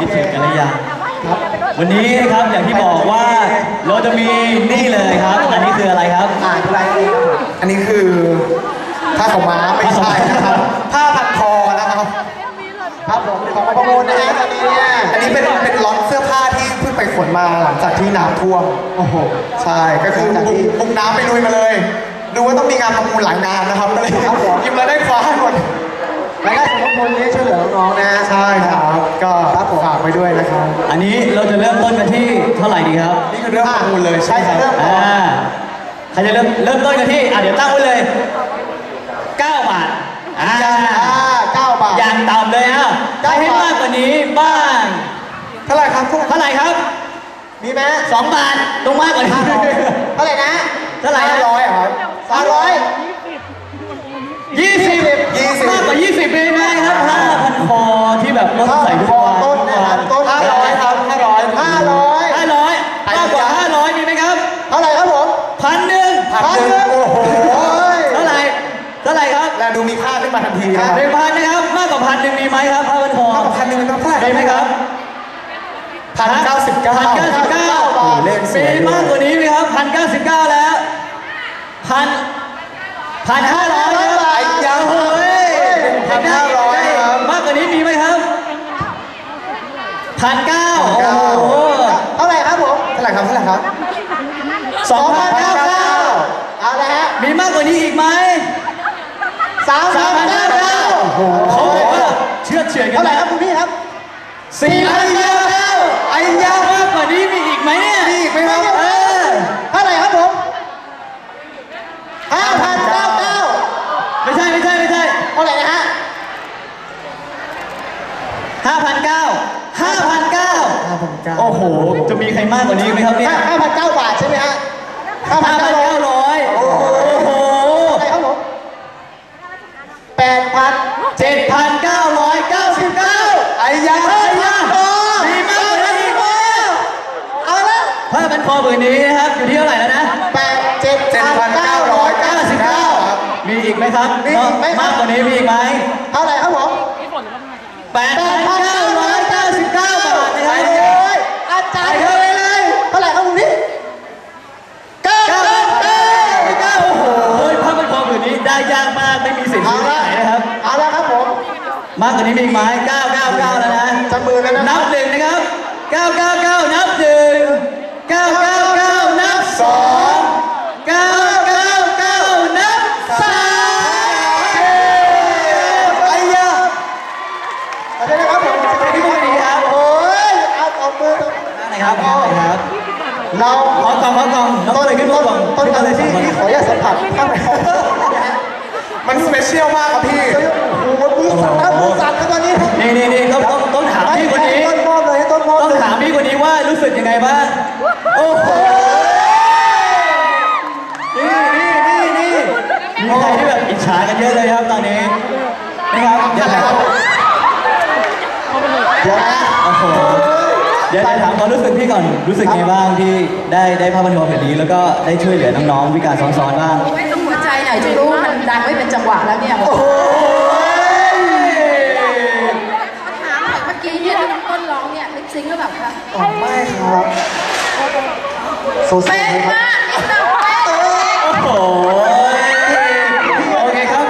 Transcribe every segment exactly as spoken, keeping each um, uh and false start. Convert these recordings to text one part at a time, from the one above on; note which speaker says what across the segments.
Speaker 1: คิดถึงกันหรือยังวันนี้นะครับอย่างที่บอกว่าเราจะมีนี่เลยครับอันนี้คืออะไรครับ
Speaker 2: อ่านอะไรอันนี้คือผ้าขาวม้าไม่ใช่นะครับผ้าพันคอนะครับครับผมของประมูลนะฮะตอนนี้เนี่ยอันนี้เป็นเป็นล็อตเสื้อผ้าที่เพิ่งไปขนมาหลังจากที่น้ำท่วมโอ้โหใช่ก็คือบุกน้ำไปลุยมาเลยดูว่าต้องมีงานประมูลหลายงานนะครับก็เลยหยิบแล้วได้คว้าหมดรายได้สมทบนี้ช่วยเหลือน้องๆนะใช่ครับก็ฝากไว้ด้วยนะครับ
Speaker 1: อันนี้เราจะเริ่มต้นกันที่เท่าไหร่ดีครับ
Speaker 2: นี่คือเริ่มประมูลเลยใช่ครับ
Speaker 1: อ่าใครจะเริ่มเริ่มต้นกันที่อ่ะเดี๋ยวตั้งไว้เลยเก้าบาทอ่า
Speaker 2: เก้าบาท
Speaker 1: อย่างต่ำเลยอ่ะใครให้มากกว่านี้บ้าง
Speaker 2: เท่าไหร่ครับ
Speaker 1: เท่าไหร่ครับ
Speaker 2: มีไหม
Speaker 1: สองบาทตรงมากกว่านี้
Speaker 2: เท่าไหร่นะ
Speaker 1: เท่าไหร่
Speaker 2: ห้าร้อยครับห้าร้อย
Speaker 1: ยี่สิบมากกว่ายี่สิบเลยนะครับห้าพันคอที่แบบรถใส่ทุกวัน
Speaker 2: ต้นนะครับต้นห้าร้อยครับห้าร้อยห้าร้อย
Speaker 1: ห้าร้อยมากกว่าห้าร้อยมีไหมครับ
Speaker 2: เท่าไหร่ครับผม
Speaker 1: พันหนึ่ง
Speaker 2: พันหนึ่งโอ้โห
Speaker 1: เท่าไหร่เท่าไหร่ครับ
Speaker 2: และดูมีค่าขึ้นมาทันทีนะ
Speaker 1: หนึ่งพันนะครับมากกว่าพันหนึ่งมีไหมครับห้าพันคอ
Speaker 2: มากกว่าพันหนึ่งเป็นเท่าไหร่
Speaker 1: ได้ไหมครับ
Speaker 2: พันเก้าสิบเก้า
Speaker 1: พันเก้าสิบเก้า
Speaker 2: เลขสวย
Speaker 1: มีมากกว่านี้ไหมครับพันเก้าสิบเก้าแล้วพันพันห้าร้อย
Speaker 2: ยังเฮ้ยพันห้าร้อยครับ
Speaker 1: มากกว่านี้มีไหมครับพันเก้าโอ้โห
Speaker 2: เท่าไหร่ครับผมเท่าไหร่ครับเท่าไหร่ครับ
Speaker 1: สองพันเก้าเก้า
Speaker 2: เอาละฮะ
Speaker 1: มีมากกว่านี้อีกไหม
Speaker 2: สามพันเก้าเก้า
Speaker 1: เขาบอกว่าเชื่อเฉื่อยกัน
Speaker 2: เท่าไหร่ครับคุณพี่ครับ
Speaker 1: สี่พันเก้าเก้า
Speaker 2: ไอ้ยาม
Speaker 1: ากกว่านี้มีอีกไหมเนี่ย
Speaker 2: มีอีกไหมครับ
Speaker 1: เออ
Speaker 2: เท่าไหร่ครับผมห้าพันเก้าเก้า
Speaker 1: ไม่ใช่ไม่ใช่ไม่ใช่
Speaker 2: เท่าไหร่นะฮะ
Speaker 1: ห้าพันเก้าห้าพันเก้าโอ้โหจะมีใครมากกว่านี้ไหมครับเนี่ย
Speaker 2: ห้าพันเก้าบาทใช่ไหมฮะ
Speaker 1: ห้าพันเก้าร้อยโอ้โห
Speaker 2: อะไรครับผมแปดพัน
Speaker 1: เจ็ดพันเก้าร้อยเก้าสิบเก้า
Speaker 2: ไอ้ยาไอ้ยา
Speaker 1: มีมากกว่านี้
Speaker 2: เอาละ
Speaker 1: ผ้าพันคอผืนนี้นะครับอยู่ที่เท่าไหร่แล้วนะ
Speaker 2: แปดเจ็ดพันเก้าร้อยเก้าสิบเก้า
Speaker 1: มีอีกไหมครับ
Speaker 2: มีอีกไหม
Speaker 1: มากกว่านี้มีอีกไหม
Speaker 2: เท่าไหร่ครับผม
Speaker 1: แปดพันเก้าร้อยเก้าสิบเก้าบาทนะครับ
Speaker 2: อาจารย์เท่าไหร่เลยเท่าไหร่ครับคุณพี่
Speaker 1: เก้าเก้าเก้าเก้าโอ้โหผ้าพันคอผืนนี้ได้ยากมากไม่มีสิทธิ์ที่ไหนนะครับ
Speaker 2: เอาละครับผม
Speaker 1: มากกว่านี้มีอีกไหมเก้าเก้าเก้าแล้วนะ
Speaker 2: จับมือแล้วนะ
Speaker 1: นับหนึ่งนะครับเก้าเก้าเก้านับหนึ่งเก้าเก้าเก้านับสองเก้าเก้าเก้านับสาม
Speaker 2: ไอ้ยาอะไรนะครับผม
Speaker 1: พี่บุญดีครับ
Speaker 2: โอ้ยเอาเอามือ
Speaker 1: นั่นไหนครับนั่นไหนครับ
Speaker 2: เรา
Speaker 1: ขอกองขอกอง
Speaker 2: ต้นขึ้นต้นต้นอะไรที่ที่ขออนุญาตสัมผัสข้างในมันสเปเชียลมากครับพี่โอ้โหมือสั่นครับมือสั่นครับตอนนี้
Speaker 1: นี่นี่นี่ต้องต้องต้องถามพี่คนนี้
Speaker 2: ต้นมอบเลยต้นมอบ
Speaker 1: ต้องถามพี่คนนี้ว่ารู้สึกยังไงบ้างโอ้โหนี่นี่นี่นี่มีใครที่แบบอิจฉากันเยอะเลยครับตอนนี้นะครับเดี๋ยวถาม
Speaker 2: เดี๋ยวนะ
Speaker 1: โอ้โหเดี๋ยวจะถามความรู้สึกพี่ก่อนรู้สึกไงบ้างที่ได้ได้ภาพบันทึกแบบนี้แล้วก็ได้ช่วยเหลือน้องๆวิการซ้อนๆบ้าง
Speaker 3: ไม่ต้องหัวใจไหนจะรู้มันดังไม่เป็นจังหวะแล้วเนี่ย
Speaker 2: โอ้โห
Speaker 3: ถามเมื่อกี้เนี่ยที่น้องต้นร้องเนี่ยลิปซิงค์หรือเปล่าคะ
Speaker 2: ไม่ครับโซเ
Speaker 3: ป็นมากนี่น้องเป๊ะ
Speaker 1: โอ้โหโอเคครับ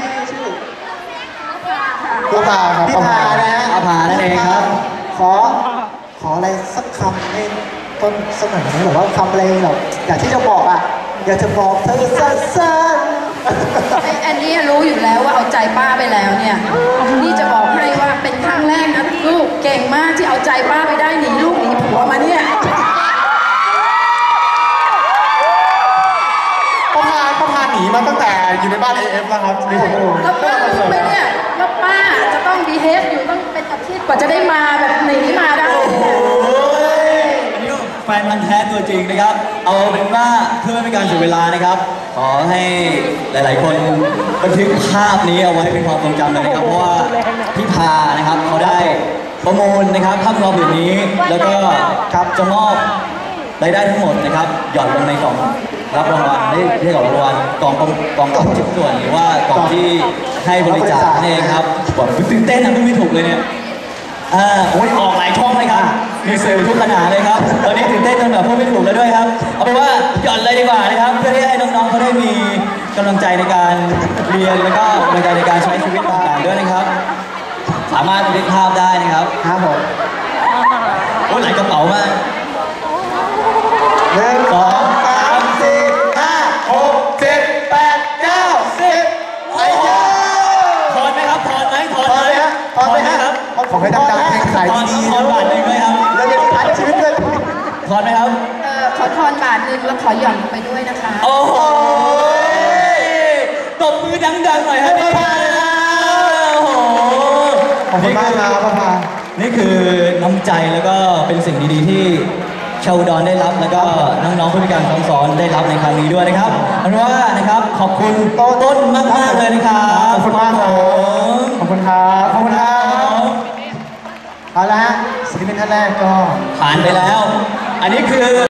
Speaker 2: พี่พาครับพี่พานะฮะ
Speaker 1: อาภานั่นเองครับ
Speaker 2: ขอขออะไรสักคำให้ต้นสักหน่อยนะแบบว่าคำอะไรแบบอยากที่จะบอกอ่ะอยากจะบอกเธอสั้น
Speaker 3: ๆไอ้อันนี้รู้อยู่แล้วว่าเอาใจป้าไปแล้วเนี่ยนี่จะบอกให้ว่าเป็นครั้งแรกนะลูกเก่งมากที่เอาใจป้าไปได้หนีลูกหนีผัวมาเนี่ย
Speaker 2: ประพาประพาหนีมาตั้งแต่อยู่ในบ้านเอฟแล้วครับนี่ผมก็รู้
Speaker 3: แล้วป้ารู้ไหมเนี่ยว่าป้าจะต้องบีเฮฟอยู่ต้องเป็นอาทิตย์กว่าจะได้มาแบบหนีมาได้
Speaker 1: แฟนมันแท้ตัวจริงนะครับเอาเป็นว่าเพื่อไม่เป็นการเสียเวลานะครับขอให้หลายๆคนบันทึกภาพนี้เอาไว้เป็นความทรงจำเลยนะครับเพราะว่าพี่พานะครับเขาได้ประมูลนะครับภาพรอบแบบนี้แล้วก็ครับจะมอบรายได้ทั้งหมดนะครับหย่อนลงในกล่องรับรางวัลได้ที่กล่องรางวัลกล่องกล่องกล่องชิ้นส่วนหรือว่ากล่องที่ให้บริจาคนี่เองครับบอกตื่นเต้นนะไม่ถูกเลยเนี่ยอ่าโอ้ยออกหลายช่องเลยครับมีสื่อทุกขนาดเลยครับตอนนี้ตื่นเต้นจนแบบพูดไม่ถูกแล้วด้วยครับเอาเป็นว่าหย่อนเลยดีกว่านะครับเพื่อที่ให้น้องๆเขาได้มีกำลังใจในการเรียนแล้วก็กำลังใจในการใช้ชีวิตต่างๆด้วยนะครับ สามารถบันทึกภาพได้นะครับ
Speaker 2: ครับผม
Speaker 1: โอ้ยหลายกระเป๋ามาก
Speaker 2: หนึ่งสองสามสี่ห้าหกเจ็ดแปดเก้าสิบไอ้ยา
Speaker 1: ถอนไหมครับถอนไหมถอน
Speaker 2: พอไหมฮะพอไหมฮะ
Speaker 1: ครับ
Speaker 2: ขอให้ดังๆเพลงขาย
Speaker 1: ถอน
Speaker 2: ดี
Speaker 1: ถอนบาทหนึ่งเลยครับ
Speaker 2: ๆแล้วยังมีพันชีวิตด้วย
Speaker 1: ถอนไหมครับ
Speaker 3: เออขอทอนบาทหนึ่งแล้วขอหย่อนไปด้วยนะคะ
Speaker 1: โอ้โหตบมือดังๆหน่อยฮะนี่โอ้โห
Speaker 2: ขอบคุณมากครับพ่อพา
Speaker 1: นี่คือน้ำใจแล้วก็เป็นสิ่งดีๆที่ชาวอุดรได้รับแล้วก็น้องๆผู้พิการซ้ำซ้อนได้รับในครั้งนี้ด้วยนะครับเอาเป็นว่านะครับขอบคุณต้นมากๆเลยนะครับ
Speaker 2: ขอบคุณมากครับขอบคุณครับขอบคุณครับเอาละฮะศิลปินท่านแรกก็
Speaker 1: ผ่านไปแล้ว อันนี้คือ